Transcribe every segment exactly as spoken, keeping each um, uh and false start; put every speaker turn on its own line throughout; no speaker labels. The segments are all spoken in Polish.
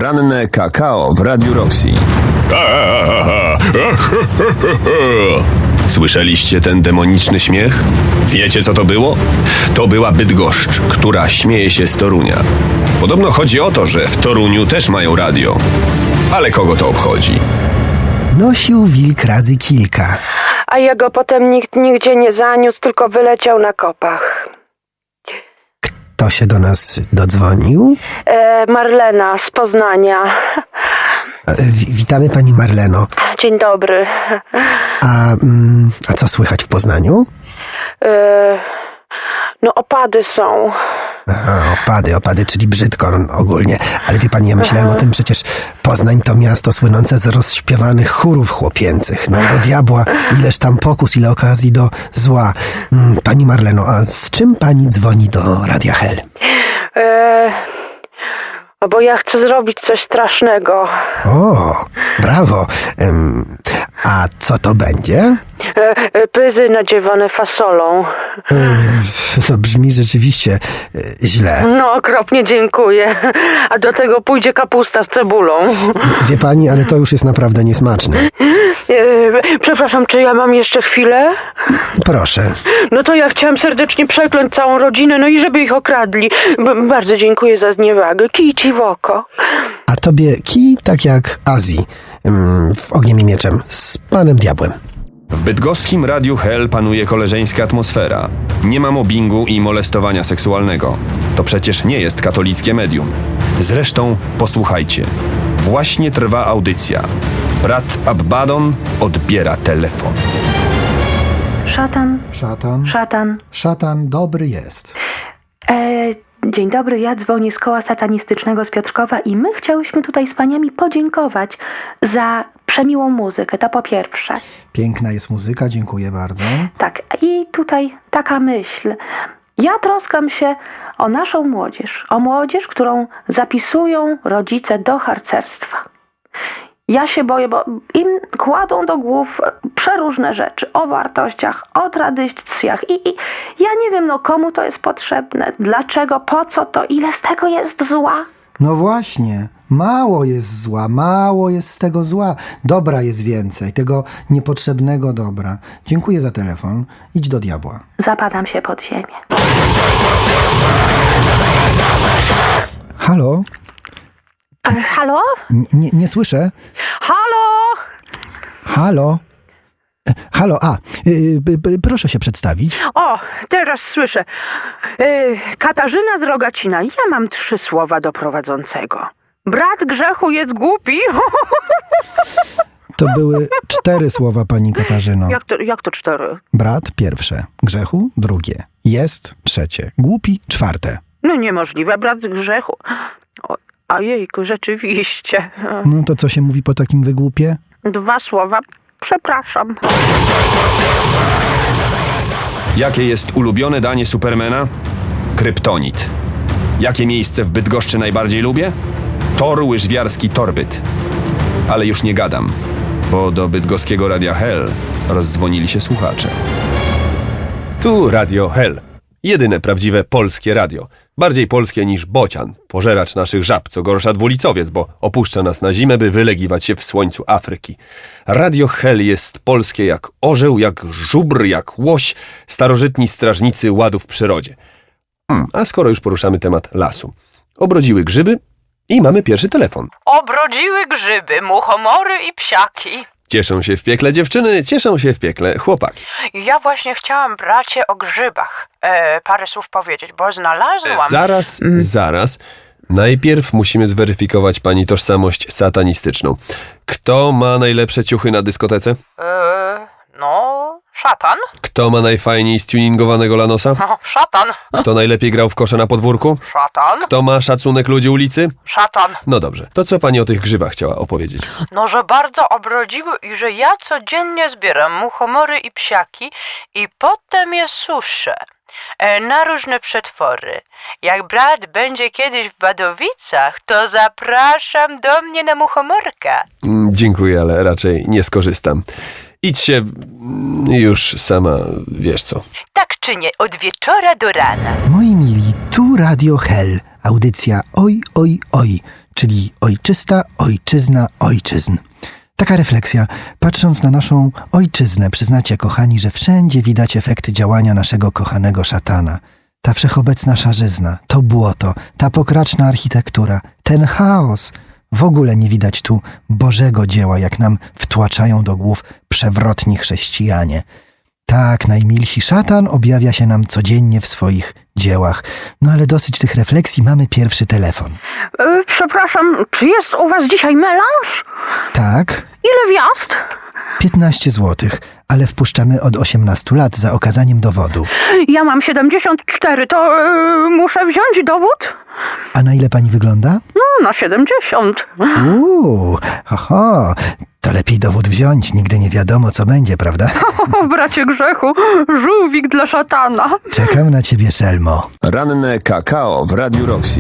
Poranne kakao w Radiu Roxy. Słyszeliście ten demoniczny śmiech? Wiecie, co to było? To była Bydgoszcz, która śmieje się z Torunia. Podobno chodzi o to, że w Toruniu też mają radio. Ale kogo to obchodzi?
Nosił wilk razy kilka.
A jego potem nikt nigdzie nie zaniósł, tylko wyleciał na kopach.
Kto się do nas dodzwonił?
E, Marlena z Poznania.
W- witamy pani Marleno.
Dzień dobry.
A, mm, a co słychać w Poznaniu?
E, no opady są.
Aha, opady, opady, czyli brzydko ogólnie. Ale wie pani, ja myślałem o tym, przecież Poznań to miasto słynące z rozśpiewanych chórów chłopięcych. No do diabła, ileż tam pokus, ile okazji do zła. Mm, Pani Marleno, a z czym pani dzwoni do Radia Hel?
E, bo ja chcę zrobić coś strasznego.
O, brawo. Em, a co to będzie?
E, e, pyzy nadziewane fasolą.
To brzmi rzeczywiście e, źle.
No okropnie dziękuję. A do tego pójdzie kapusta z cebulą.
Wie pani, ale to już jest naprawdę niesmaczne.
E, przepraszam, czy ja mam jeszcze chwilę?
Proszę.
No to ja chciałam serdecznie przekląć całą rodzinę, no i żeby ich okradli. B- bardzo dziękuję za zniewagę. Kij ci w oko.
A tobie kij tak jak Azji, mm, w Ogniem i Mieczem, z panem diabłem.
W bydgoskim Radiu Hel panuje koleżeńska atmosfera. Nie ma mobbingu i molestowania seksualnego. To przecież nie jest katolickie medium. Zresztą posłuchajcie. Właśnie trwa audycja. Brat Abbadon odbiera telefon.
Szatan,
Szatan,
szatan.
szatan dobry jest.
E, dzień dobry, ja dzwonię z koła satanistycznego z Piotrkowa i my chciałyśmy tutaj z paniami podziękować za przemiłą muzykę, to po pierwsze.
Piękna jest muzyka, dziękuję bardzo.
Tak, i tutaj taka myśl. Ja troskam się o naszą młodzież, o młodzież, którą zapisują rodzice do harcerstwa. Ja się boję, bo im kładą do głów przeróżne rzeczy o wartościach, o tradycjach i, i ja nie wiem, no komu to jest potrzebne, dlaczego, po co to, ile z tego jest zła.
No właśnie, mało jest zła, mało jest z tego zła. Dobra jest więcej, tego niepotrzebnego dobra. Dziękuję za telefon. Idź do diabła.
Zapadam się pod ziemię.
Halo?
E, halo?
N- nie, nie słyszę.
Halo?
Halo? E, Halo, a, y, y, y, proszę się przedstawić.
O, teraz słyszę. Yy, Katarzyna z Rogacina. Ja mam trzy słowa do prowadzącego. Brat grzechu jest głupi.
To były cztery słowa, pani Katarzyno.
Jak to, jak to cztery?
Brat pierwsze, grzechu drugie, jest trzecie, głupi czwarte.
No niemożliwe, brat grzechu. O, a jejku, rzeczywiście.
No to co się mówi po takim wygłupie?
Dwa słowa. Przepraszam.
Jakie jest ulubione danie Supermana? Kryptonit. Jakie miejsce w Bydgoszczy najbardziej lubię? Tor łyżwiarski Torbyt. Ale już nie gadam, bo do bydgoskiego Radia Hel rozdzwonili się słuchacze.
Tu Radio Hel. Jedyne prawdziwe polskie radio. Bardziej polskie niż bocian, pożeracz naszych żab, co gorsza dwulicowiec, bo opuszcza nas na zimę, by wylegiwać się w słońcu Afryki. Radio Hel jest polskie jak orzeł, jak żubr, jak łoś, starożytni strażnicy ładu w przyrodzie. Hmm, a skoro już poruszamy temat lasu. Obrodziły grzyby i mamy pierwszy telefon.
Obrodziły grzyby, muchomory i psiaki.
Cieszą się w piekle dziewczyny, cieszą się w piekle chłopaki.
Ja właśnie chciałam, bracie, o grzybach e, parę słów powiedzieć, bo znalazłam...
Zaraz, zaraz. Najpierw musimy zweryfikować pani tożsamość satanistyczną. Kto ma najlepsze ciuchy na dyskotece?
E, no, szatan.
Kto ma najfajniej stuningowanego lanosa?
No, szatan.
Kto najlepiej grał w kosze na podwórku?
Szatan.
Kto ma szacunek ludzi ulicy?
Szatan.
No dobrze, to co pani o tych grzybach chciała opowiedzieć?
No, że bardzo obrodziły i że ja codziennie zbieram muchomory i psiaki i potem je suszę e, na różne przetwory. Jak brat będzie kiedyś w Wadowicach, to zapraszam do mnie na muchomorka.
Mm, dziękuję, ale raczej nie skorzystam. Idź się mm, już sama, wiesz co.
Tak czy nie, od wieczora do rana.
Moi mili, tu Radio Hel, audycja Oj, oj, oj,
czyli ojczysta, ojczyzna, ojczyzn. Taka refleksja. Patrząc na naszą ojczyznę, przyznacie, kochani, że wszędzie widać efekty działania naszego kochanego szatana. Ta wszechobecna szarzyzna, to błoto, ta pokraczna architektura, ten chaos. W ogóle nie widać tu Bożego dzieła, jak nam wtłaczają do głów przewrotni chrześcijanie. Tak, najmilsi, szatan objawia się nam codziennie w swoich dziełach. No ale dosyć tych refleksji, mamy pierwszy telefon.
E, przepraszam, czy jest u was dzisiaj melanż?
Tak,
Ile gwiazd?
piętnaście złotych, ale wpuszczamy od osiemnastu lat za okazaniem dowodu.
Ja mam siedemdziesiąt cztery, to e, muszę wziąć dowód?
A na ile pani wygląda?
No, na siedemdziesiąt.
Uuu, oho, to lepiej dowód wziąć, nigdy nie wiadomo co będzie, prawda?
O, bracie grzechu, żółwik dla szatana.
Czekam na ciebie, Szelmo.
Ranne kakao w Radiu Roxy.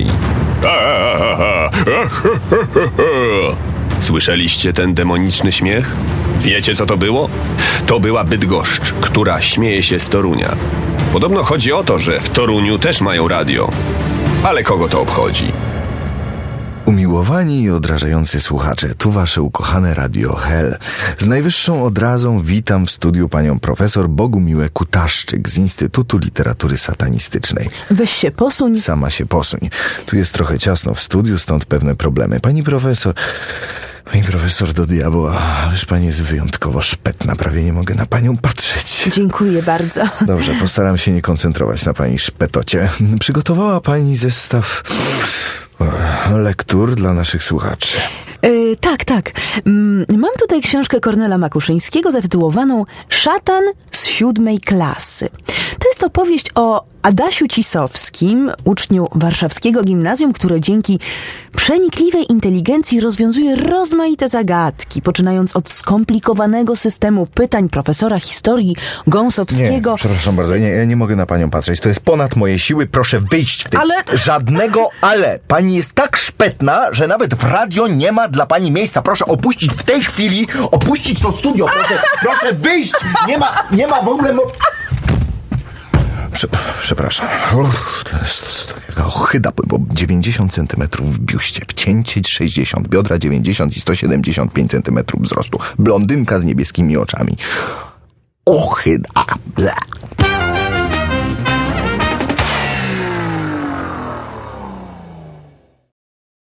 Słyszeliście ten demoniczny śmiech? Wiecie, co to było? To była Bydgoszcz, która śmieje się z Torunia. Podobno chodzi o to, że w Toruniu też mają radio. Ale kogo to obchodzi?
Umiłowani i odrażający słuchacze, tu wasze ukochane Radio Hel. Z najwyższą odrazą witam w studiu panią profesor Bogumiłę Kutaszczyk z Instytutu Literatury Satanistycznej.
Weź się posuń.
Sama się posuń. Tu jest trochę ciasno w studiu, stąd pewne problemy. Pani profesor... Pani profesor do diabła, ależ pani jest wyjątkowo szpetna, prawie nie mogę na panią patrzeć.
Dziękuję bardzo.
Dobrze, postaram się nie koncentrować na pani szpetocie. Przygotowała pani zestaw lektur dla naszych słuchaczy.
Yy, tak, tak. Mm, Mam tutaj książkę Kornela Makuszyńskiego zatytułowaną Szatan z siódmej klasy. To jest opowieść o Adasiu Cisowskim, uczniu warszawskiego gimnazjum, które dzięki przenikliwej inteligencji rozwiązuje rozmaite zagadki, poczynając od skomplikowanego systemu pytań profesora historii Gąsowskiego.
Nie, przepraszam bardzo, nie, ja nie mogę na panią patrzeć. To jest ponad moje siły, proszę wyjść w tej...
Ale-
Żadnego ale. Pani jest tak szpetna, że nawet w radio nie ma dla pani miejsca. Proszę opuścić w tej chwili, opuścić to studio, proszę, proszę wyjść! Nie ma, nie ma w ogóle... Mo- Prze- przepraszam. Uff, to jest, to jest taka ochyda, bo dziewięćdziesiąt centymetrów w biuście, wcięcie sześćdziesiąt, biodra dziewięćdziesiąt i sto siedemdziesiąt pięć centymetrów wzrostu. Blondynka z niebieskimi oczami. Ochyda. Ble.